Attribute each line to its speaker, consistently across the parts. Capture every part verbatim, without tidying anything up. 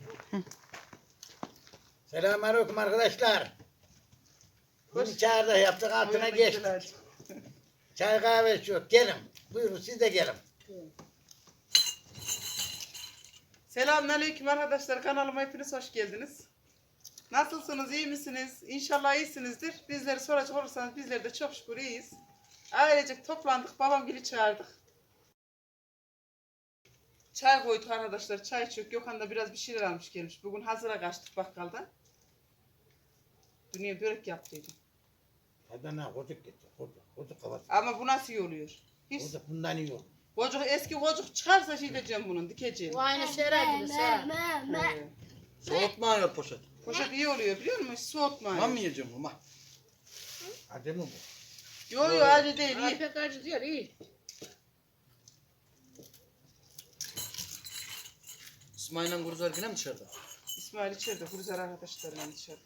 Speaker 1: Selamünaleyküm arkadaşlar. Bunu çağırdı yaptık altına geçtik. Çay kahve yok. Gelin. Buyurun siz de gelin.
Speaker 2: Selamünaleyküm arkadaşlar. Kanalıma hepiniz hoş geldiniz. Nasılsınız? İyi misiniz? İnşallah iyisinizdir. Bizleri soracak olursanız bizler de çok şükür iyiyiz. Ailecek toplandık. Babamgil'i çağırdık. Çay koyduk arkadaşlar. Çay çok. Gökhan da biraz bir şeyler almış gelmiş. Bugün hazıra kaçtık bakkaldan. Dünya börek yaptıydım.
Speaker 1: Adana kocuk getir. Kocuk. Kocuk kafası.
Speaker 2: Ama bu nasıl iyi oluyor? Hiç.
Speaker 1: Kocuk bundan iyi olur.
Speaker 2: Kocuk, eski kocuk çıkarsa şey diyeceğim bunun. Dikeceğim.
Speaker 3: Bu aynı sera gibi sera.
Speaker 2: Ee,
Speaker 4: Soğutma yok poşet.
Speaker 2: poşet iyi oluyor biliyor musun? Hiç soğutma.
Speaker 4: Ben mi yiyeceğim bunu?
Speaker 1: Acı mı bu?
Speaker 2: Yo yo acı değil.
Speaker 3: Ay
Speaker 2: iyi.
Speaker 3: pek acı diyor iyi.
Speaker 4: İsmail'le Guruzar yine mi dışarıda?
Speaker 2: İsmail içeride. Huruzar arkadaşlarıyla içeride.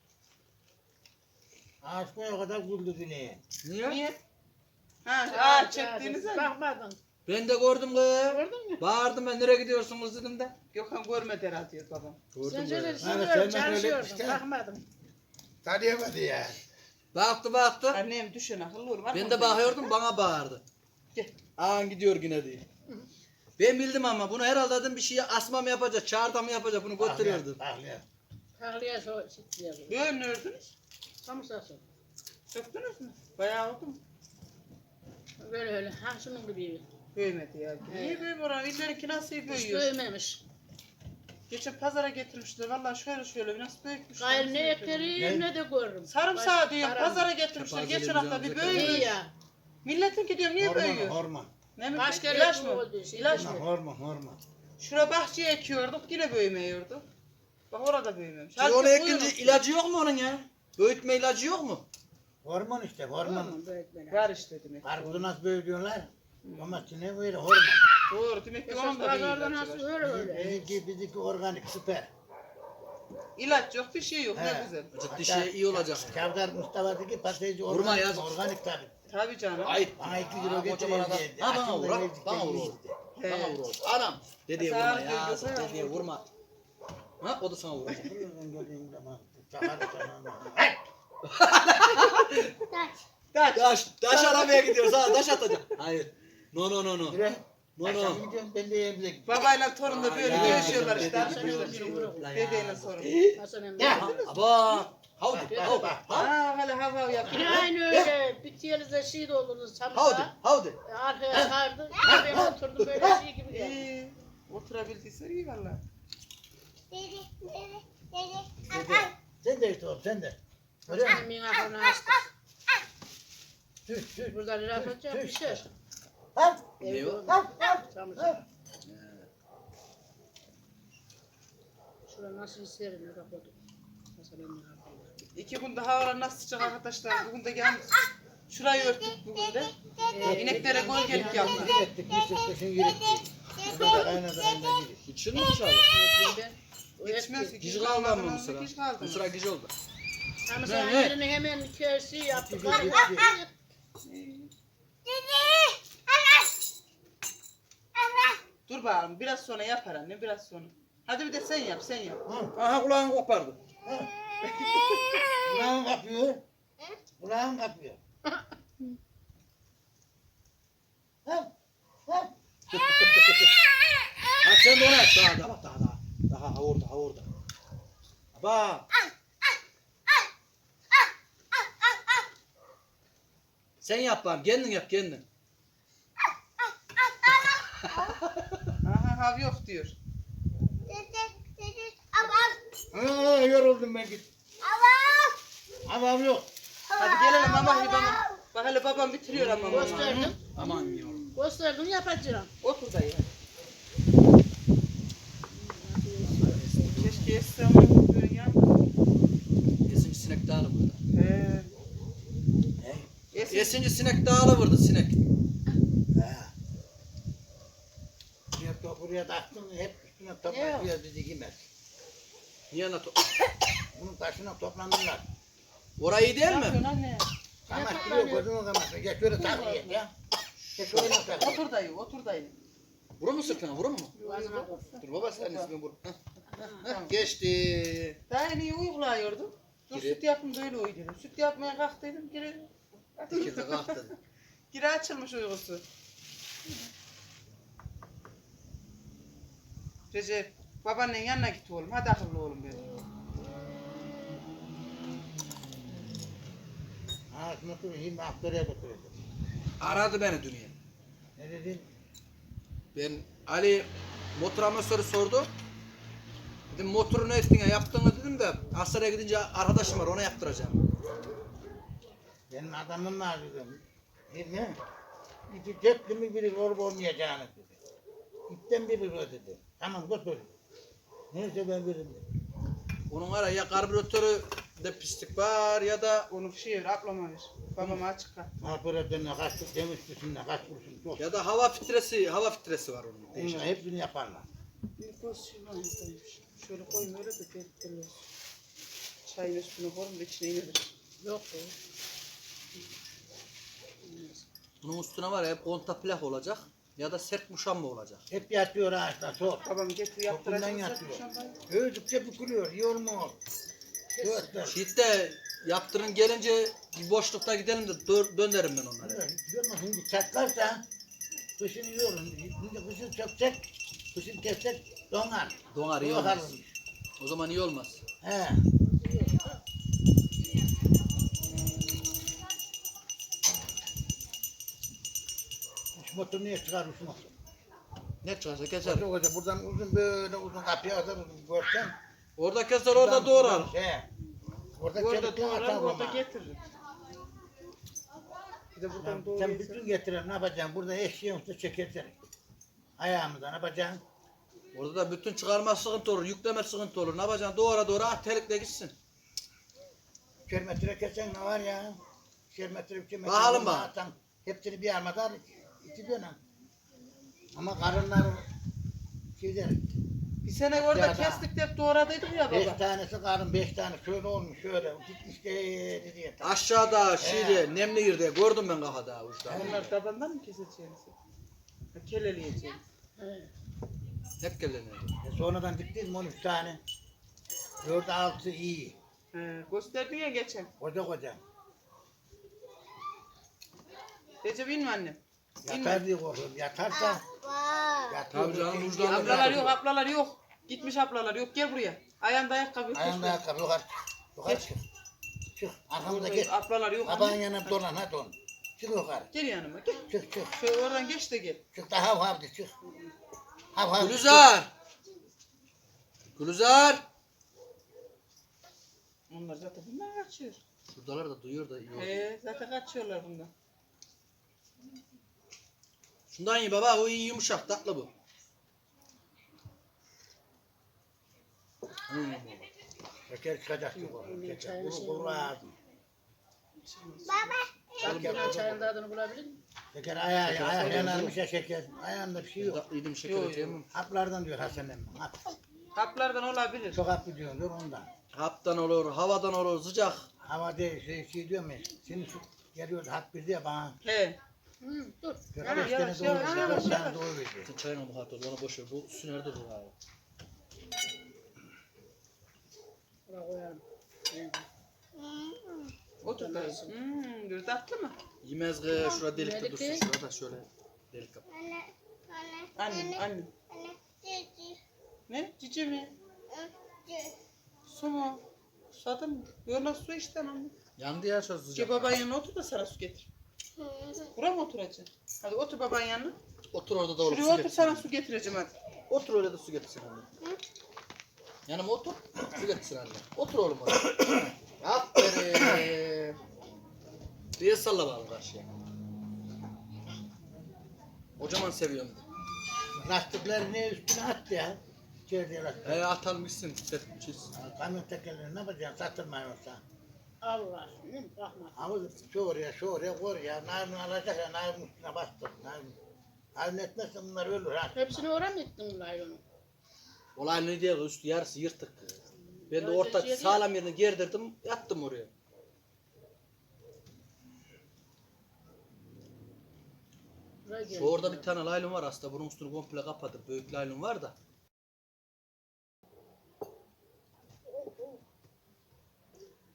Speaker 1: Aşkına o kadar güldü dünyaya.
Speaker 4: Niye?
Speaker 2: Niye? Ha, aa çektiğiniz mi?
Speaker 3: Bakmadın.
Speaker 4: Ben de gördüm kız.
Speaker 3: Gördün mü?
Speaker 4: Bağırdım ben, nereye gidiyorsunuz dedim de.
Speaker 2: Gökhan görmedi herhalde diyor babam.
Speaker 3: Sen
Speaker 4: Gördüm
Speaker 3: şöyle
Speaker 4: böyle.
Speaker 1: Hani
Speaker 3: sürüyorum
Speaker 1: sen öyle
Speaker 3: çalışıyordun.
Speaker 1: işte.
Speaker 3: Bakmadın.
Speaker 1: Tanıyamadı ya.
Speaker 4: Baktı baktı.
Speaker 2: Annem düşün akıllı olur.
Speaker 4: Ben de bakıyordum, bana bağırdı.
Speaker 2: Gel.
Speaker 4: Ağan gidiyor yine diye. Ben bildim ama bunu herhalde dedim bir şey asma mı yapacak, çağırda mı yapacak, bunu götürüyordu.
Speaker 1: Tahliye.
Speaker 3: Tahliye so çıkıyor.
Speaker 2: Böyle ne ördünüz?
Speaker 3: Kamusası.
Speaker 2: Söktünüz mü? Bayağı oldu mu?
Speaker 3: Böyle öyle. Ha şunun gibi.
Speaker 2: Büyümedi ya. Niye büyümüyor oran? İllerinki nasıl
Speaker 3: Hiç
Speaker 2: büyüyor?
Speaker 3: büyümemiş.
Speaker 2: Geçen pazara getirmişler. Vallahi şöyle şöyle bir nasıl büyükmüş.
Speaker 3: Gayrı ne eklerim ne de görürüm.
Speaker 2: Sarımsağı
Speaker 3: Baş-
Speaker 2: diyorum.
Speaker 3: param-
Speaker 2: Pazara getirmişler.
Speaker 4: Yaparız
Speaker 2: Geçen
Speaker 4: elimize
Speaker 2: hafta bir
Speaker 4: alacak.
Speaker 2: büyümüş.
Speaker 3: İyi ya.
Speaker 2: Milletin ki diyorum niye
Speaker 1: Hormon,
Speaker 2: büyüyor?
Speaker 1: hormon.
Speaker 2: Ne mi?
Speaker 3: Başka
Speaker 2: İlaç
Speaker 3: ilaç
Speaker 2: mı?
Speaker 3: oldu, şey
Speaker 2: İlaç
Speaker 3: değil
Speaker 2: mı?
Speaker 3: mi?
Speaker 1: Hormon, hormon.
Speaker 2: Şura bahçeye ekiyorduk yine büyümüyordu. Bak orada büyümemiş.
Speaker 4: Şimdi onu
Speaker 2: Halbuki
Speaker 4: ekince
Speaker 2: buyurun.
Speaker 4: ilacı yok mu onun ya? Büyütme ilacı yok mu?
Speaker 1: Hormon işte, hormon.
Speaker 3: Tamam, böyle.
Speaker 2: Var işte demek.
Speaker 1: Karpuzu nasıl büyütüyorlar? Domatesine böyle hormon.
Speaker 2: Doğru demek ki
Speaker 3: Esas
Speaker 2: onun da bir
Speaker 3: pazarda
Speaker 2: ilacı
Speaker 3: nasıl
Speaker 2: var.
Speaker 3: öyle öyle.
Speaker 1: Bizimki, bizimki organik, süper.
Speaker 2: İlaç yok bir şey yok
Speaker 1: He.
Speaker 2: ne güzel.
Speaker 4: Ciddi şey iyi olacak.
Speaker 1: Çavdar Mustafa'daki patatesi
Speaker 4: Vurma
Speaker 1: organik,
Speaker 4: yazık.
Speaker 1: organik tabii.
Speaker 2: Tabi canım.
Speaker 4: Ayıp.
Speaker 1: Bana iki
Speaker 4: Aa,
Speaker 1: kilo
Speaker 4: kocaman adam.
Speaker 1: getireyim
Speaker 4: Ha bana
Speaker 1: Aslında
Speaker 4: vur, ha.
Speaker 1: evdeki
Speaker 4: Bana vur.
Speaker 1: iyiydi.
Speaker 2: He.
Speaker 4: Bana vur. Anam. Dedeye
Speaker 2: Sağ
Speaker 4: vurma
Speaker 2: ol,
Speaker 4: ya.
Speaker 2: gözü sağ ol.
Speaker 4: Dedeye vurma. Ha o da sana vuracak.
Speaker 1: Buradan geldiğim zaman çakarı sana.
Speaker 2: Kaç.
Speaker 4: Taş, taş aramaya gidiyoruz ha, taş atacak. Hayır. No no no no.
Speaker 1: Yürü.
Speaker 4: No
Speaker 1: Akşam
Speaker 4: no.
Speaker 1: gidiyorum ben de evimize gidiyorum.
Speaker 2: Babayla torun da böyle
Speaker 4: Ya,
Speaker 2: görüşüyorlar
Speaker 4: dede
Speaker 2: işte. Arkadaşlar
Speaker 4: gidiyor.
Speaker 2: şimdi. Dedeyle sorun.
Speaker 3: Hasan emmi.
Speaker 1: Ya.
Speaker 4: Aba. Havdi. Havdi.
Speaker 2: Aa hala hav hav yapıyor.
Speaker 3: Yine aynı öyle. Bitiyelize şey doldurdunuz
Speaker 4: Havdi.
Speaker 3: samsa.
Speaker 4: Havdi.
Speaker 3: Arkaya sardı. Ben oturdum böyle şey gibi geldi.
Speaker 2: İyi. Oturabildiyse iyi valla.
Speaker 1: Sen de işte oğlum sen de. Öyle mi?
Speaker 3: Emmi'nin aklını açtı.
Speaker 1: Süt süt.
Speaker 3: Burada laf atacak bir şey.
Speaker 1: Al.
Speaker 4: Ne o?
Speaker 1: Al. Al.
Speaker 3: Samsa. Şurada nasıl isterim ne kapadım. Hasan emmi'nin aklını.
Speaker 2: İki günde havalar nasıl sıcak arkadaşlar. Bugün de geldik. Şurayı örttük bugün de. Ee, ineklere gölgelik yaptık.
Speaker 1: Yürektik, yürektik, kışın yürektik. Burada kaynadı kaynadı gibi.
Speaker 4: İçin mi dışarı?
Speaker 3: Ben o
Speaker 2: Yetişmez ki.
Speaker 4: Gici
Speaker 2: Gici
Speaker 4: kaldı
Speaker 2: kalmadı
Speaker 4: mı
Speaker 2: mı?
Speaker 4: Mısır'a?
Speaker 2: Gici kaldı.
Speaker 4: Mısır'a gici oldu.
Speaker 3: Ama
Speaker 4: Ne,
Speaker 3: sen
Speaker 4: ne?
Speaker 3: yerini hemen kesi yaptık.
Speaker 1: Gici, gici.
Speaker 2: Dur bakalım biraz sonra yapar anne biraz sonra. Hadi bir de sen yap sen yap.
Speaker 4: Aha kulağını kopardı.
Speaker 1: Kulağın kapıyor. Kulağın kapıyor. Al. Al.
Speaker 4: Ha sen de onu yap. Daha daha bak daha daha. Daha ha orada ha orada. Bak. Sen yap bari. Kendin yap kendin.
Speaker 2: Aha hav yok diyor.
Speaker 1: Aa, yoruldum ben git. Avam yok.
Speaker 2: Hadi gelelim ama bana. Bak hele babam bitiriyor ama. mama.
Speaker 3: Gösterdim.
Speaker 4: Aman yavrum.
Speaker 3: Gösterdim yapacağım.
Speaker 2: Otur dayı. Keşke esse ama böyle yan.
Speaker 4: Esinci sinek dağılı burada.
Speaker 2: He.
Speaker 1: Ne?
Speaker 2: Esin.
Speaker 4: Esinci sinek dağılı burada sinek.
Speaker 1: Ha. Buraya, to- buraya taktın hep üstüne
Speaker 3: Yok.
Speaker 1: toplanıyor bizi yemez.
Speaker 4: Niye nato?
Speaker 1: Bunun taşına toplanırlar.
Speaker 4: Orayı iyi değil
Speaker 2: Ne
Speaker 4: mi?
Speaker 2: yapıyorsun anne?
Speaker 1: Kamaştırıyor gözünü kamaştırıyor. Geç şöyle takviye ya. Geç şöyle takviye.
Speaker 2: Otur dayı otur dayı.
Speaker 4: Vurun mu sırtına vurun mu?
Speaker 3: Boğazıma koy.
Speaker 4: Dur baba sen ismini vur. Heh.
Speaker 2: Tamam.
Speaker 4: Geçti.
Speaker 2: Daha en iyi uygulayordum. Dur
Speaker 4: Gire.
Speaker 2: süt yapın böyle uy dedim. Süt yapmaya kalktıydım. Gire,
Speaker 4: İkide kalktı.
Speaker 2: gire açılmış uykusu. Recep, babaannen yanına git oğlum. Hadi akıllı oğlum benim.
Speaker 1: Ha şunu şimdi aktöre götürdüm.
Speaker 4: Aradı beni dünya.
Speaker 1: Ne dedin?
Speaker 4: Ben Ali motor amasörü sordu. Dedim motoru ne ettin ya yaptığını dedim de Aksaray'a gidince arkadaşım var ona yaptıracağım.
Speaker 1: Benim adamım var dedim. Ne? İki cepli mi biri olup olmayacağını dedi. İpten biri o dedi. Tamam götür. Neyse ben veririm dedi.
Speaker 4: Onun ara ya karbüratörü de pislik var ya da
Speaker 2: Onu şey ver, ablama ver. Babama açık kal.
Speaker 1: Operatörüne kaç demiş üstünde kaç kuruşun çok.
Speaker 4: ya da hava filtresi hava filtresi var onun. Değişik.
Speaker 1: Bunlar hepsini yaparlar.
Speaker 2: Bir koz şey var buradaymış. Şöyle koyun öyle de belirtilir. Çayın üstüne koyun da içine inilir.
Speaker 3: Yok be.
Speaker 4: Bunun üstüne var ya hep konta plak olacak ya da sert muşamba olacak.
Speaker 1: Hep yatıyor ağaçta sor.
Speaker 2: Babam getir
Speaker 1: Topundan
Speaker 2: yaptıracak.
Speaker 1: yatıyor.
Speaker 2: Şambayı.
Speaker 1: Öldükçe bükülüyor. Yormuyor. Göster.
Speaker 4: Şiitte yaptırın gelince bir boşlukta gidelim de dö- dönerim ben onları.
Speaker 1: Görme şimdi çatlarsa kışın yiyorum. Şimdi kışın çökecek. Kışın kessek donar.
Speaker 4: Donar iyi
Speaker 1: Donar.
Speaker 4: olmaz. O zaman iyi olmaz.
Speaker 1: He. Şu motor niye çıkarmış motor?
Speaker 4: Ne çıkarsa keser.
Speaker 1: Motor koca buradan uzun böyle uzun kapıya kadar uzun görsen.
Speaker 4: Orada keser orada doğrar.
Speaker 1: He. Orada
Speaker 2: Orada
Speaker 1: çelikten
Speaker 2: doğrar,
Speaker 1: atar
Speaker 2: orada
Speaker 1: ama.
Speaker 2: getirir. Bir de buradan
Speaker 1: Sen,
Speaker 2: doğru
Speaker 1: sen
Speaker 2: yeter.
Speaker 1: bütün getiren ne yapacaksın? Burada eşeğin üstüne çekersen. Ayağımıza ne yapacaksın?
Speaker 4: Orada da bütün çıkarma sıkıntı olur, yükleme sıkıntı olur. Ne yapacaksın? Doğra doğra at telikle gitsin.
Speaker 1: İkişer metre kesen ne var ya? İkişer metre, üçer metre.
Speaker 4: Bakalım
Speaker 1: bunu
Speaker 4: bak.
Speaker 1: atan, hepsini bir armada iki dönem. Ama karınlar şeyler,
Speaker 2: Bir sene orada
Speaker 1: Ya da-
Speaker 2: kestik de hep doğradıydık ya
Speaker 1: beş
Speaker 2: baba.
Speaker 1: tanesi karın, beş tane şöyle olmuş, şöyle. Gitmiş de diye.
Speaker 4: Aşağıda şeyde nemli yerde gördüm ben kafada uçta.
Speaker 2: Onlar tabandan mı keseceğiniz? Ha, keleleyeceğiniz.
Speaker 3: He.
Speaker 4: Hep geleniyor.
Speaker 1: E sonradan diktik mi on üç tane. Dört altı iyi.
Speaker 2: He, gösterdin ya geçen.
Speaker 1: Koca koca.
Speaker 2: Recep inme annem.
Speaker 1: Yatar diye korkuyorum. Yatarsa yatıyor.
Speaker 4: Tabii canım,
Speaker 1: Şey-
Speaker 4: vicdanlı
Speaker 2: Ablalar
Speaker 4: bir
Speaker 2: yok, ablalar yok. Gitmiş ablalar yok. Gel buraya. Ayağında ayakkabı yok.
Speaker 1: Ayağında
Speaker 2: Ayağında
Speaker 1: ayakkabı yukarı çık. Yukarı çık. Çık. Arkamda git.
Speaker 2: Ablalar yok.
Speaker 1: Babanın
Speaker 2: anne.
Speaker 1: yanına dolan hadi on. Çık yukarı.
Speaker 2: Gel yanıma gel.
Speaker 1: Çık çık.
Speaker 2: Şöyle oradan geç de gel.
Speaker 1: Çık da hav hav de çık. Hav hav.
Speaker 4: Gülizar! Gülizar!
Speaker 2: Onlar zaten bunlar kaçıyor.
Speaker 4: Şuradalar da duyuyor da iyi oldu.
Speaker 2: He, zaten kaçıyorlar bunlar.
Speaker 4: Şundan iyi baba, o iyi yumuşak, tatlı bu. Hmm.
Speaker 1: Şeker çıkacak ki bu. Şeker. Kuru kuru ağzım.
Speaker 3: Şampiyon çayın tadını bulabilir miyim?
Speaker 1: Şeker ayağı ayağı yanarmış ya şeker. Ayağında bir şey yok.
Speaker 4: Tatlıydım şeker
Speaker 2: Yo, yo.
Speaker 4: edeceğim.
Speaker 1: Haplardan diyor Hasan emmi. Hap.
Speaker 2: Haplardan olabilir.
Speaker 1: Çok haplı diyor diyor ondan.
Speaker 4: Haptan olur, havadan olur, sıcak.
Speaker 1: Hava değil şey, şey diyor mu? Şimdi şu geliyor hap bir diye bana.
Speaker 2: He.
Speaker 3: Hı, dur.
Speaker 1: Şöyle
Speaker 2: Yavaş,
Speaker 1: beş
Speaker 2: yavaş,
Speaker 1: tane doğru
Speaker 2: yavaş,
Speaker 1: veriyor.
Speaker 2: yavaş,
Speaker 1: Dört tane
Speaker 2: yavaş.
Speaker 1: doğru veriyor.
Speaker 4: Sen çayına bu hat ol, ona boş ver. Bu sünerde dur abi.
Speaker 3: Buraya koyalım. He.
Speaker 2: Otur da. Hmm, bir tatlı mı?
Speaker 4: Yemez ki, şurada delikte
Speaker 3: Delik
Speaker 4: dursun.
Speaker 3: değil.
Speaker 4: Şurada şöyle delik yap.
Speaker 2: Annem, annem. Ne? Cici mi? Su mu? Susadın mı? Yola su işte anne.
Speaker 4: Yandı ya şu
Speaker 2: Gel
Speaker 4: sıcak.
Speaker 2: babanın yanına otur da sana su getir. Buraya mı oturacaksın? Hadi otur babanın yanına.
Speaker 4: Otur orada da olur.
Speaker 2: Şuraya
Speaker 4: su
Speaker 2: otur
Speaker 4: getir.
Speaker 2: sana su getireceğim hadi.
Speaker 4: Otur öyle de su getirsin anne. Yanıma otur, su getirsin anne. Otur oğlum oraya. Aferin. Bir salla bakalım karşıya. Kocaman seviyorum.
Speaker 1: Lastiklerini üstüne attı ya. İçeride lastik.
Speaker 4: He atalım gitsin. Sen çiz.
Speaker 1: Kamyon tekerlerini ne yapacaksın? Satılmayın yoksa.
Speaker 3: Allah. Değil mi? Rahmet.
Speaker 1: Ama şu oraya, şu oraya koy ya. Narin alacak ya, narin üstüne bastır. Narin. Narin etmezsen bunlar ölür ha.
Speaker 3: Hepsini öğren mi ettin laylonu?
Speaker 4: Olay ne diye üstü yarısı yırtık. Ben de
Speaker 3: Öyle
Speaker 4: orta
Speaker 3: şey değil.
Speaker 4: sağlam yerine gerdirdim, yattım oraya.
Speaker 3: Buraya
Speaker 4: Şu orada bir tane laylon var aslında. Bunun üstünü komple kapatır. Büyük laylon var da.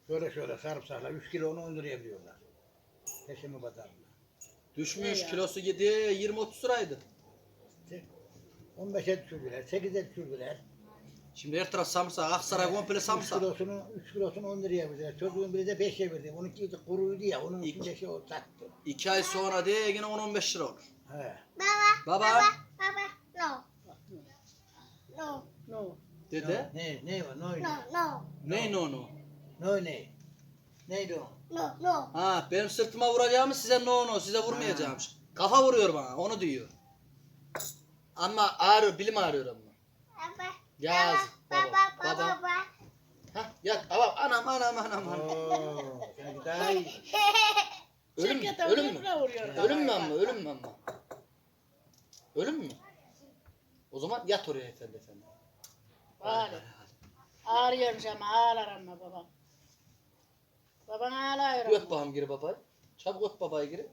Speaker 1: Şöyle şöyle sarımsakla üç kilo onu on liraya veriyorlar. Peşimi pazarına.
Speaker 4: Düşmüş
Speaker 3: Ne ya?
Speaker 4: kilosu gidiyor yirmi otuz liraydı.
Speaker 1: on beşe düşürdüler, sekize düşürdüler.
Speaker 4: Şimdi her taraf samsa, Aksaray komple
Speaker 1: üç
Speaker 4: samsa.
Speaker 1: kilosunu, üç kilosunu on liraya verdiler. Çocuğun biri de beşe verdi. Onunki kuruydu ya, onun
Speaker 4: İki.
Speaker 1: için beşe o sattı.
Speaker 4: İki ay sonra diye yine on on beş lira olur.
Speaker 1: He.
Speaker 4: Baba
Speaker 5: Papa, no, no,
Speaker 3: No.
Speaker 4: dede.
Speaker 1: Ne, ne var, ne oynuyor?
Speaker 5: no, no,
Speaker 4: Ne no no?
Speaker 1: Ne ne? Neydi o?
Speaker 5: no, no.
Speaker 4: Ha benim sırtıma vuracağımı size no no size vurmayacağımmış. Kafa vuruyor bana onu diyor. Ama ağrıyor bilim ağrıyor ama.
Speaker 5: Papa,
Speaker 4: Yaz baba
Speaker 5: papa,
Speaker 4: baba.
Speaker 5: papa.
Speaker 4: Ha yat baba anam anam anam anam.
Speaker 1: Oo, sanki daha iyi.
Speaker 4: Ölüm mü?
Speaker 3: Çekete
Speaker 4: Ölüm mü?
Speaker 3: öbürüne vuruyor.
Speaker 4: Ölüm mü ama ölüm mü ama? Ölüm mü? O zaman yat oraya efendi efendi.
Speaker 3: Bari. Ağrıyormuş ama ağlar ama babam. Baban ağlıyor
Speaker 4: Öp
Speaker 3: ama.
Speaker 4: bakalım giri babayı. Çabuk öp babayı giri.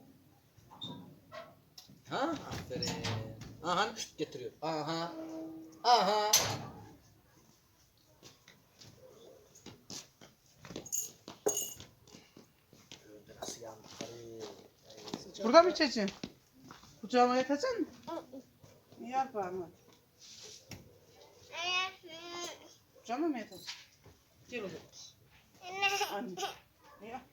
Speaker 4: Ha? Aferin. Aha getiriyor. Aha. Aha. Nasıl yandı karı?
Speaker 2: Burada mı içeceksin? Kucağıma yatacaksın mı? İyi yap bana. Kucağıma mı yatacaksın? Gel oğlum. Anne. İyi yap.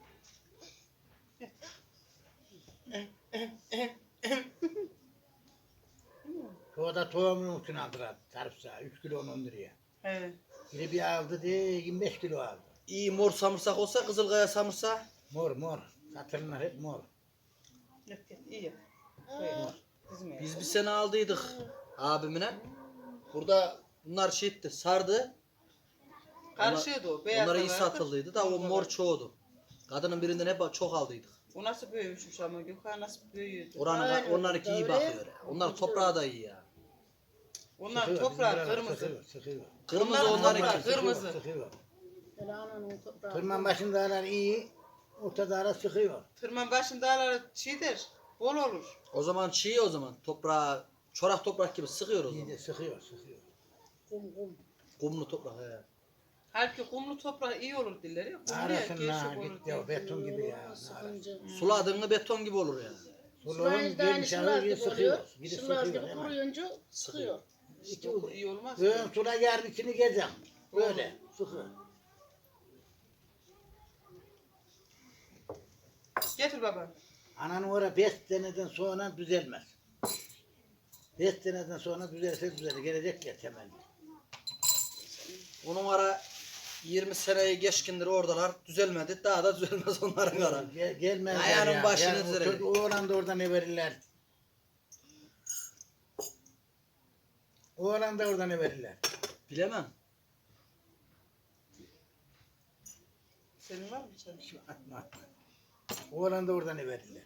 Speaker 1: Çoğu da tohumun için aldılar. Sarımsağı, üç kilo on liraya.
Speaker 2: Evet.
Speaker 1: Biri bir aldı diye yirmi beş kilo aldı.
Speaker 4: İyi mor samırsak olsa Kızılkaya samırsağı.
Speaker 1: Mor mor. Satırlar hep mor.
Speaker 2: Yat yat iyi yap. Koy. Dizime
Speaker 4: Biz
Speaker 2: yat.
Speaker 4: bir sene aldıydık abimine. Burada bunlar şeydi sardı.
Speaker 2: Karışıyordu o. Beyaz
Speaker 4: Onlara
Speaker 2: da
Speaker 4: iyi
Speaker 2: vardı.
Speaker 4: satıldıydı da o mor çoğudu. Kadının birinden hep çok aldıydık.
Speaker 2: O nasıl büyümüşmüş ama Gökhan nasıl büyüyordu.
Speaker 4: Oranın
Speaker 3: Aynen,
Speaker 4: onlarınki iyi
Speaker 3: öyle.
Speaker 4: bakıyor. ya. Onlar toprağa da iyi ya.
Speaker 2: Onlar
Speaker 1: Sıkıyor,
Speaker 2: toprağı
Speaker 1: bizim buralar
Speaker 2: kırmızı.
Speaker 1: Sıkıyor, sıkıyor.
Speaker 4: Kırmızı
Speaker 2: Onlar
Speaker 4: onlarınki.
Speaker 2: toprak, kırmızı.
Speaker 1: Sıkıyor.
Speaker 3: Hele ananın toprağı.
Speaker 1: Tırman başındalar iyi, ortadalar sıkıyor.
Speaker 2: Tırman başında araları çiğdir. Bol olur.
Speaker 4: O zaman çiğ o zaman. Toprağa çorak toprak gibi sıkıyor o
Speaker 1: İyi
Speaker 4: zaman.
Speaker 1: de sıkıyor, sıkıyor.
Speaker 3: Kum kum.
Speaker 4: Kumlu toprak he.
Speaker 2: Halbuki kumlu toprak iyi olur dilleri. Kumlu ya,
Speaker 1: Arasınlar
Speaker 2: gevşek olur
Speaker 1: gitti
Speaker 2: diye.
Speaker 1: o beton gibi ya.
Speaker 3: Yoğurma, sıkınca.
Speaker 4: Suladığında beton gibi olur yani.
Speaker 1: Sulağın
Speaker 3: Sulayınca da aynı
Speaker 1: gelmiş
Speaker 3: şılaz
Speaker 1: ağır
Speaker 3: gibi
Speaker 1: gibi sıkıyor.
Speaker 3: oluyor.
Speaker 1: Biri
Speaker 3: Şılaz
Speaker 1: sıkıyor
Speaker 3: gibi
Speaker 1: hemen.
Speaker 3: kuruyunca sıkıyor.
Speaker 1: İki
Speaker 2: Yok,
Speaker 1: ucu.
Speaker 2: iyi olmaz.
Speaker 1: Ön sula yarın içini gezem. Böyle sıkıyor.
Speaker 2: Getir baba.
Speaker 1: Ananın orada beş seneden sonra düzelmez. Beş seneden sonra düzelse düzelir. Gelecek ya temel.
Speaker 4: Onun ara yirmi seneyi geçkindir oradalar. Düzelmedi. Daha da düzelmez onların ara.
Speaker 1: Gel, gelmezler
Speaker 4: Ayağının
Speaker 1: ya.
Speaker 4: başını
Speaker 1: Ya, o
Speaker 4: düzelir.
Speaker 1: çocuk- Oğlan da oradan ne verirler? Oğlan da oradan ne verirler?
Speaker 4: Bilemem.
Speaker 2: Senin var mı çay?
Speaker 1: Atma atma. Oğlan da oradan ne verirler?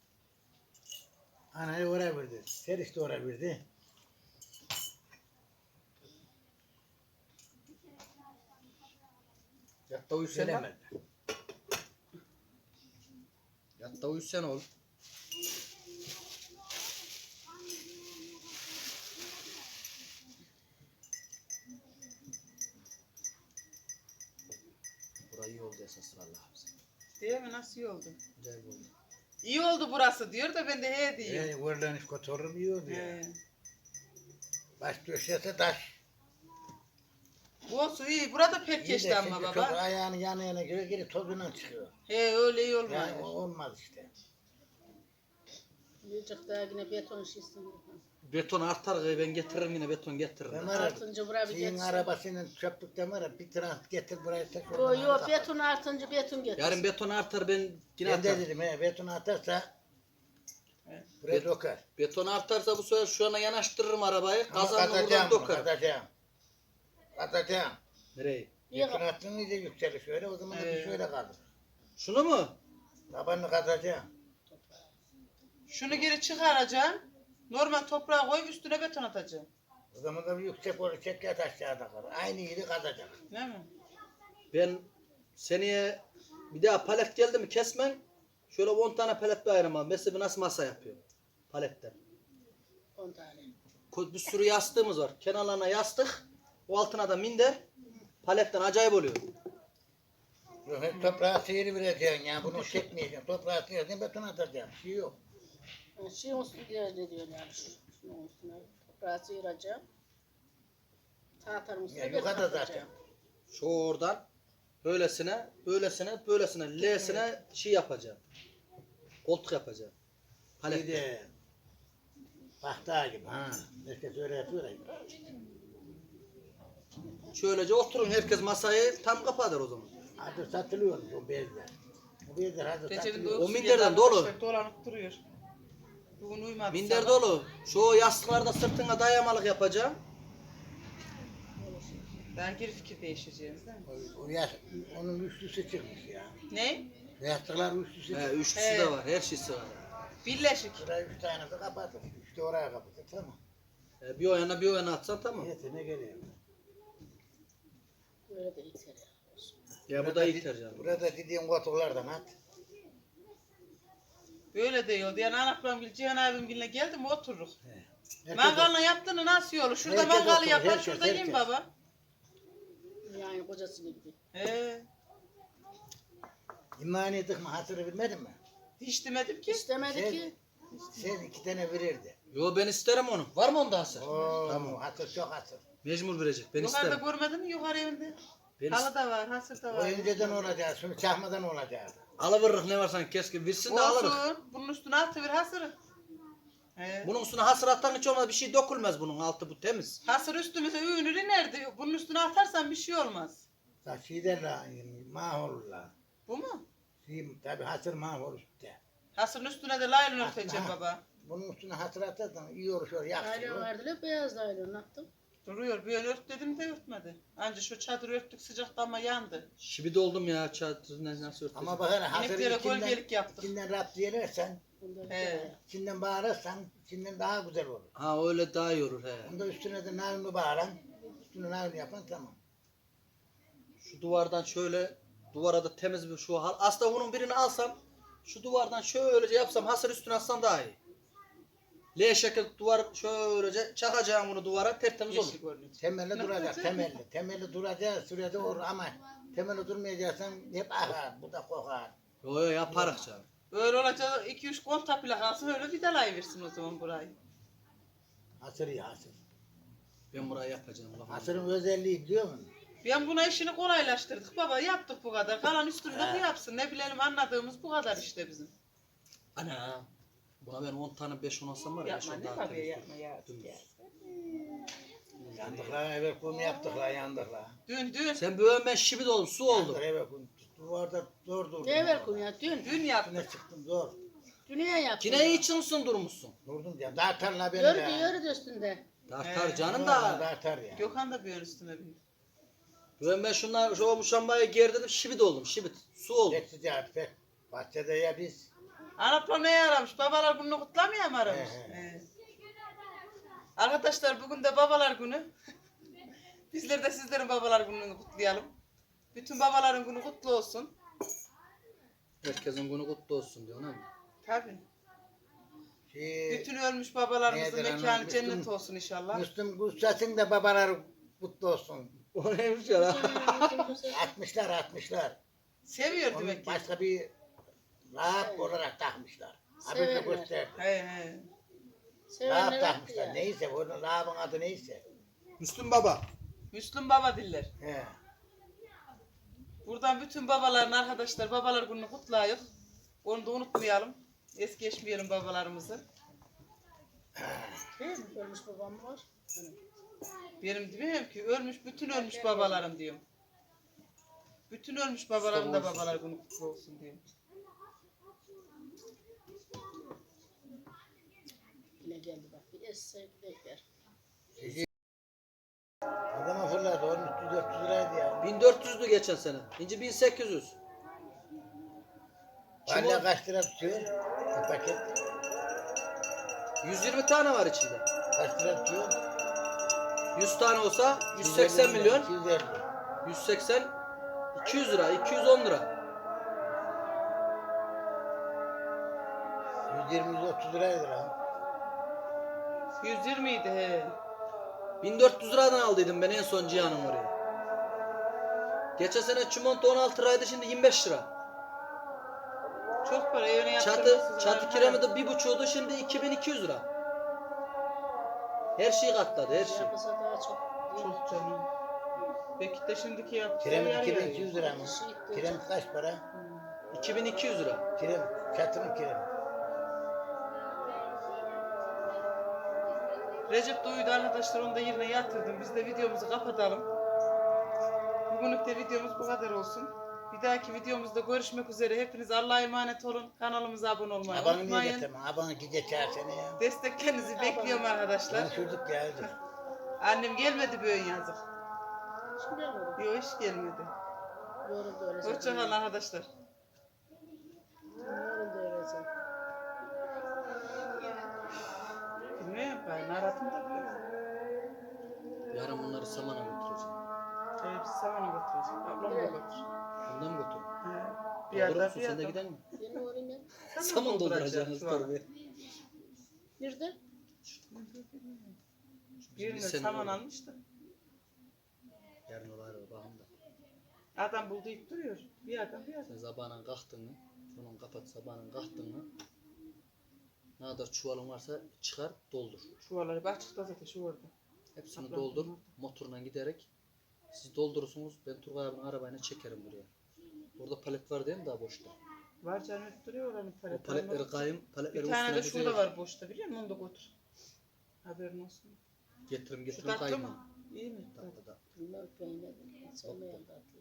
Speaker 1: Anayı oraya verdi. Seriş de oraya verdi.
Speaker 4: Yatta uyusen lan.
Speaker 1: Gelemezler.
Speaker 4: Yatta uyusen oğlum. Burayı iyi oldu esas vallahi.
Speaker 2: Değil mi? Nasıl iyi oldu?
Speaker 4: Güzel oldu.
Speaker 2: İyi oldu burası diyor da ben de he diyorum.
Speaker 1: Ee, oradan hiç kotorum yiyordu ya.
Speaker 2: He.
Speaker 1: Baş döşese taş.
Speaker 2: Bu olsun iyi. Burada pek
Speaker 1: İyi
Speaker 2: geçti
Speaker 1: de
Speaker 2: ama
Speaker 1: şimdi
Speaker 2: baba.
Speaker 1: çok ayağını yana yana göre geri tozundan çıkıyor.
Speaker 2: He öyle iyi olmuyor.
Speaker 1: Yani o olmaz işte.
Speaker 3: Yiyecek daha yine beton şişsin.
Speaker 4: Beton artar ben getiririm yine beton getiririm.
Speaker 1: Ben
Speaker 4: ben.
Speaker 1: ara,
Speaker 3: Artınca buraya bir
Speaker 1: şeyin
Speaker 3: geçsin.
Speaker 1: arabasıyla çöplükten var ya bir trans getir buraya tek
Speaker 3: Yo
Speaker 1: oradan
Speaker 3: yo
Speaker 1: al,
Speaker 3: beton artınca beton getir.
Speaker 4: Yarın beton artar ben yine
Speaker 1: Ben de
Speaker 4: atarım.
Speaker 1: dedim he beton atarsa
Speaker 2: Evet.
Speaker 1: buraya
Speaker 4: Bet-
Speaker 1: dokar.
Speaker 4: Beton artarsa bu sefer şu yana yanaştırırım arabayı.
Speaker 1: Ama
Speaker 4: Kazanını buradan
Speaker 1: katacağım bunu
Speaker 4: dokarım.
Speaker 1: katacağım. Katacağım.
Speaker 4: Nereye?
Speaker 3: İyi
Speaker 1: Beton
Speaker 3: bak.
Speaker 1: attığın iyice yükselir şöyle o zaman da
Speaker 2: Ee.
Speaker 1: bir şöyle kalır.
Speaker 4: Şunu mu?
Speaker 1: Tabanını katacağım.
Speaker 2: Şunu geri çıkaracaksın. Normal toprağa koyup üstüne beton atacaksın.
Speaker 1: O zaman da bir yüksek olur çek yat aşağıda kalır. Aynı yeri katacak.
Speaker 2: Değil mi?
Speaker 4: Ben seneye bir daha palet geldi mi kesmen şöyle on tane palet bir ayırmam. Mesela nasıl masa yapıyor paletten.
Speaker 3: on tane.
Speaker 4: Ko- Bir sürü yastığımız var. Kenarlarına yastık. O altına da minder. Paletten acayip oluyor.
Speaker 1: Yok, toprağı sıyırı vereceksin ya. Bunu çekmeyeceksin. Toprağı sıyıracaksın, beton atacaksın. Bir şey yok.
Speaker 3: Yani şey üstüne ne diyor yani şu, şunun üstüne toprağı sıyıracağım. Tahtanın üstüne
Speaker 1: Ya
Speaker 3: beton
Speaker 1: yukarıda zaten.
Speaker 3: atacağım.
Speaker 4: Şu oradan böylesine, böylesine, böylesine, L'sine şey yapacağım. Koltuk yapacağım.
Speaker 1: Bir
Speaker 4: Palet.
Speaker 1: de tahta gibi ha. Herkes öyle yapıyor ya.
Speaker 4: Şöylece oturun, herkes masayı tam kapatır o zaman.
Speaker 1: Hadi satılıyormuş o bezler. O bezler hadi
Speaker 2: Recep'in
Speaker 1: satılıyor.
Speaker 2: uykusu
Speaker 4: minderden
Speaker 2: geldi
Speaker 4: dolu.
Speaker 2: arkadaşlar, dolanıp duruyor. Bugün uyumadı.
Speaker 4: Minder
Speaker 2: sabah.
Speaker 4: dolu. Şu yastıklarda sırtına dayamalık yapacağım.
Speaker 2: Ben geri fikir değişeceğiz değil mi?
Speaker 1: O, o yaş, onun üçlüsü çıkmış ya.
Speaker 2: Ne?
Speaker 1: Yastıklar üçlüsü
Speaker 4: He,
Speaker 1: çıkmış.
Speaker 4: üçlüsü
Speaker 2: He.
Speaker 4: de var, her şeysi var.
Speaker 2: Birleşik.
Speaker 1: Şurayı üç tane de kapatır. İşte oraya kapatır tamam.
Speaker 4: He, bir o yana bir o yana atsan tamam.
Speaker 1: Neyse ne geliyor.
Speaker 3: Böyle de yeter ya.
Speaker 4: Ya bu da yeter canım.
Speaker 1: Burada dediğin koltuklardan at.
Speaker 2: Böyle de yoldu. Yani anaklam gibi Cihan abim gibi geldi mi otururuz.
Speaker 1: Herkes
Speaker 2: Mangalını yaptığını nasıl yolu? Şurada
Speaker 1: Herkes
Speaker 2: mangalı
Speaker 1: oturur,
Speaker 2: yapar,
Speaker 1: herkes,
Speaker 2: şurada yiyin
Speaker 1: herkes.
Speaker 2: baba.
Speaker 3: Yani kocasını gibi.
Speaker 2: He.
Speaker 1: İmani ettik mi hatırı bilmedin mi?
Speaker 2: Hiç demedim ki.
Speaker 3: İstemedi
Speaker 1: Şey-
Speaker 3: ki.
Speaker 1: Sen iki tane verirdi.
Speaker 4: Yo ben isterim onu. Var mı onda hasır?
Speaker 1: Oo,
Speaker 4: Tamam.
Speaker 1: hatır çok hatır.
Speaker 4: Mecbur verecek. Ben
Speaker 2: Yukarıda
Speaker 4: isterim.
Speaker 2: görmedin mi yukarı evinde?
Speaker 4: Ben
Speaker 2: Halı
Speaker 4: isterim.
Speaker 2: da var, hasır da
Speaker 1: O
Speaker 2: var.
Speaker 1: önceden olacak, şunu çakmadan olacak.
Speaker 4: Alıveririk ne varsan keşke versin de alırız.
Speaker 2: Olsun. Bunun üstüne atıver hasırı. He.
Speaker 4: Bunun üstüne hasır atan hiç olmaz bir şey dökülmez bunun altı bu temiz.
Speaker 2: Hasır üstümüze ünür inerdi. Bunun üstüne atarsan bir şey olmaz.
Speaker 1: Sa şeyden la, mahvolurlar.
Speaker 2: Bu mu?
Speaker 1: Şey, tabi hatır mahvolur işte.
Speaker 2: Hasırın üstüne de laylon örteceğim
Speaker 1: Ha.
Speaker 2: baba.
Speaker 1: Bunun üstüne hatır atarsan iyi olur şöyle
Speaker 3: Aylon
Speaker 1: yaksın.
Speaker 3: verdiler beyaz da aylon attım.
Speaker 2: Duruyor. Bir ön ört dedim de örtmedi. Anca şu çadır örttük sıcakta ama yandı.
Speaker 4: Şibidi oldum ya çadır ne- nasıl örteceğim.
Speaker 1: Ama bak hele hatırı
Speaker 2: İneklere
Speaker 1: içinden,
Speaker 2: gölgelik yaptık.
Speaker 1: içinden rap diyelersen,
Speaker 3: Bundan
Speaker 2: He.
Speaker 1: içinden bağırırsan, içinden daha güzel olur.
Speaker 4: Ha öyle daha iyi olur he.
Speaker 1: Onda üstüne de narini bağıran, üstüne narini yapan tamam.
Speaker 4: Şu duvardan şöyle duvara da temiz bir şu hal. Aslında bunun birini alsam şu duvardan şöylece yapsam hasır üstüne atsam daha iyi. L şekil duvar şöylece çakacağım bunu duvara tertemiz olur.
Speaker 2: Yeşil görünüyor.
Speaker 1: Temelli
Speaker 2: Ne
Speaker 1: duracak,
Speaker 2: yapacak?
Speaker 1: temelli. Temelli duracağı sürede olur ama temelli durmayacaksan hep akar, bu da kokar.
Speaker 4: Yo yo yaparız canım.
Speaker 2: Böyle olacak iki üç konta plakası öyle vidalayıversin o zaman burayı.
Speaker 1: Hasır iyi hasır.
Speaker 4: Ben burayı yapacağım. Bak.
Speaker 1: Hasırın özelliği biliyor musun?
Speaker 2: Ben buna işini kolaylaştırdık baba yaptık bu kadar. Kalan üstünde bu
Speaker 1: He.
Speaker 2: yapsın. Ne bilelim anladığımız bu kadar işte bizim.
Speaker 4: Ana. Buna ben on tane beş on alsam var ya.
Speaker 2: Yapma
Speaker 4: şu
Speaker 2: ne
Speaker 4: daha
Speaker 2: tabii
Speaker 4: temiz
Speaker 2: yapma
Speaker 4: olur.
Speaker 2: ya.
Speaker 4: Dümdüz.
Speaker 2: ya.
Speaker 1: Yandık la evvel kum yaptık la yandık la.
Speaker 2: Dün dün
Speaker 4: Sen böyle ben şibit oldum su oldu.
Speaker 1: Yandık evvel kum. Duvarda zor durdum.
Speaker 3: Ne ver kum ya dün.
Speaker 2: dün yaptık.
Speaker 1: Üstüne çıktım zor.
Speaker 3: Dünya yaptım.
Speaker 4: Yine için misin durmuşsun?
Speaker 1: Durdum diye. Dağıtar la beni
Speaker 3: Yürüdü
Speaker 1: ya.
Speaker 3: yürüdü üstünde.
Speaker 4: Tartar
Speaker 2: He.
Speaker 4: canım
Speaker 1: Vallahi
Speaker 4: da.
Speaker 1: Dağıtar ya.
Speaker 2: Gökhan da bir ön üstüme bir.
Speaker 4: Ben ben şunlar şu muşambayı gerdirdim şibit oldum şibit. Su oldu.
Speaker 1: Pek sıcak pek. Bahçede ya biz.
Speaker 2: Anaplam neye aramış? Babalar gününü kutlamaya mı aramış?
Speaker 1: He, he.
Speaker 2: He. Arkadaşlar bugün de babalar günü. Bizler de sizlerin babalar gününü kutlayalım. Bütün babaların günü kutlu olsun.
Speaker 4: Herkesin günü kutlu olsun diyor değil mi?
Speaker 2: Tabii.
Speaker 1: Şey,
Speaker 2: Bütün ölmüş babalarımızın
Speaker 1: Nedir
Speaker 2: mekanı
Speaker 1: anam?
Speaker 2: cennet
Speaker 1: Müslüm-
Speaker 2: olsun inşallah.
Speaker 1: Müslüm Gussas'ın da babaları kutlu olsun.
Speaker 4: O neymiş ya?
Speaker 1: Atmışlar atmışlar.
Speaker 2: Seviyor
Speaker 1: Onu
Speaker 2: demek ki.
Speaker 1: başka bir lağap olarak takmışlar. Haberde
Speaker 3: Severler.
Speaker 1: gösterdi.
Speaker 2: He he.
Speaker 1: Lağap
Speaker 3: Sevenler attı
Speaker 1: takmışlar.
Speaker 3: ya.
Speaker 1: Neyse onun lağabın adı neyse.
Speaker 4: Müslüm baba.
Speaker 2: Müslüm baba diller.
Speaker 1: He.
Speaker 2: Buradan bütün babaların arkadaşlar babalar gününü kutlayalım. Onu da unutmayalım. Es geçmeyelim babalarımızı.
Speaker 3: Değil mi? Ölmüş babam var. Hani
Speaker 2: Benim demiyorum ki ölmüş bütün ölmüş babalarım diyorum. Bütün ölmüş babalarım da babalar günü kutlu olsun diyorum.
Speaker 3: yine geldi bak. Bir esse bekler.
Speaker 1: Adama fırladı. Onun üç yüz dört yüz liraydı ya.
Speaker 4: bin dört yüzdü geçen sene. İnci bin sekiz yüz. Kim
Speaker 1: Valla
Speaker 4: o?
Speaker 1: kaç lira tutuyor? Bir paket.
Speaker 4: yüz yirmi tane var içinde.
Speaker 1: Kaç lira tutuyor?
Speaker 4: yüz tane olsa yüz seksen milyon.
Speaker 1: iki yüz elli.
Speaker 4: yüz seksen iki yüz lira, iki yüz on lira.
Speaker 1: yüz yirmi yüz otuz liraydı lan.
Speaker 2: yüz yirmi idi he.
Speaker 4: bin dört yüz liradan aldıydım ben en son Cihan'ın oraya. Geçen sene çimento on altı liraydı, şimdi yirmi beş lira.
Speaker 2: Çok para evine
Speaker 4: Çatı,
Speaker 2: yaptırmışsınız.
Speaker 4: çatı kiremidi bir buçuğdu, şimdi iki bin iki yüz lira. Her şeyi katladı, her şey.
Speaker 3: Yapılsa daha çok.
Speaker 2: Çok canım. Peki de şimdiki yaptığı
Speaker 1: Kiremit
Speaker 2: yer
Speaker 1: iki bin
Speaker 2: yani.
Speaker 1: iki yüz lira mı? Kiremit kaç para?
Speaker 4: iki bin iki yüz lira.
Speaker 1: Kiremit, çatının kiremit.
Speaker 2: Recep de uyudu arkadaşlar, onu da yerine yatırdım. Biz de videomuzu kapatalım. Bugünlük de videomuz bu kadar olsun. Bir dahaki videomuzda görüşmek üzere. Hepiniz Allah'a emanet olun. Kanalımıza abone olmayı
Speaker 1: Abanı niye
Speaker 2: unutmayın.
Speaker 1: getirme? Abanı gide çağır seni ya.
Speaker 2: Desteklerinizi bekliyorum arkadaşlar.
Speaker 1: Konuşurduk geldi.
Speaker 2: Annem gelmedi böyle yazık.
Speaker 3: Şimdi olur.
Speaker 2: Yok, hiç gelmedi.
Speaker 3: Yoruldu öyle.
Speaker 2: Hoşçakalın arkadaşlar.
Speaker 3: Yoruldu öyle. zaten.
Speaker 2: Bilmiyorum ben aratım da böyle.
Speaker 4: Yarın bunları samana götüreceğim.
Speaker 2: Ee, biz samana götüreceğiz. Ablam da götür.
Speaker 4: Bundan mı götürün?
Speaker 2: He. Bir
Speaker 4: Doldurur
Speaker 2: yerden
Speaker 4: musun?
Speaker 2: bir
Speaker 4: Sen de
Speaker 2: yerden.
Speaker 4: giden mi?
Speaker 3: Ben uğrayayım ya.
Speaker 4: Saman dolduracaksınız
Speaker 2: şu an.
Speaker 4: tabii.
Speaker 3: Nerede?
Speaker 2: Birine
Speaker 4: Biz seni
Speaker 2: saman
Speaker 4: doldurur.
Speaker 2: almış da.
Speaker 4: Yarın olaylar bakın da.
Speaker 2: Adam buldu ip duruyor. Bir yerden bir yerden.
Speaker 4: Sen sabahın kalktın mı? Şunun kapat, sabahın kalktın mı? Ne kadar çuvalın varsa çıkar, doldur.
Speaker 2: Çuvalları açıkta zaten şu orada.
Speaker 4: Hepsini
Speaker 2: Ablam
Speaker 4: doldur.
Speaker 2: bunlar.
Speaker 4: Motoruna giderek. Siz doldurursunuz. Ben Turgay abinin arabayla çekerim buraya. Orada palet var değil mi daha boşta?
Speaker 2: Var canım, hep duruyor oranın
Speaker 4: O
Speaker 2: paletleri.
Speaker 4: paletleri kayım, paletleri
Speaker 2: Bir tane de
Speaker 4: üstüne
Speaker 2: şurada
Speaker 4: güzel
Speaker 2: var boşta, biliyor musun? Onu da götür. Haberin olsun.
Speaker 4: getirim
Speaker 2: Şu
Speaker 4: getirim
Speaker 2: tatlı
Speaker 4: kayım.
Speaker 2: mı? İyi mi?
Speaker 4: Tatlı da.
Speaker 3: Bilmem peynir. Sevmeyen tatlı.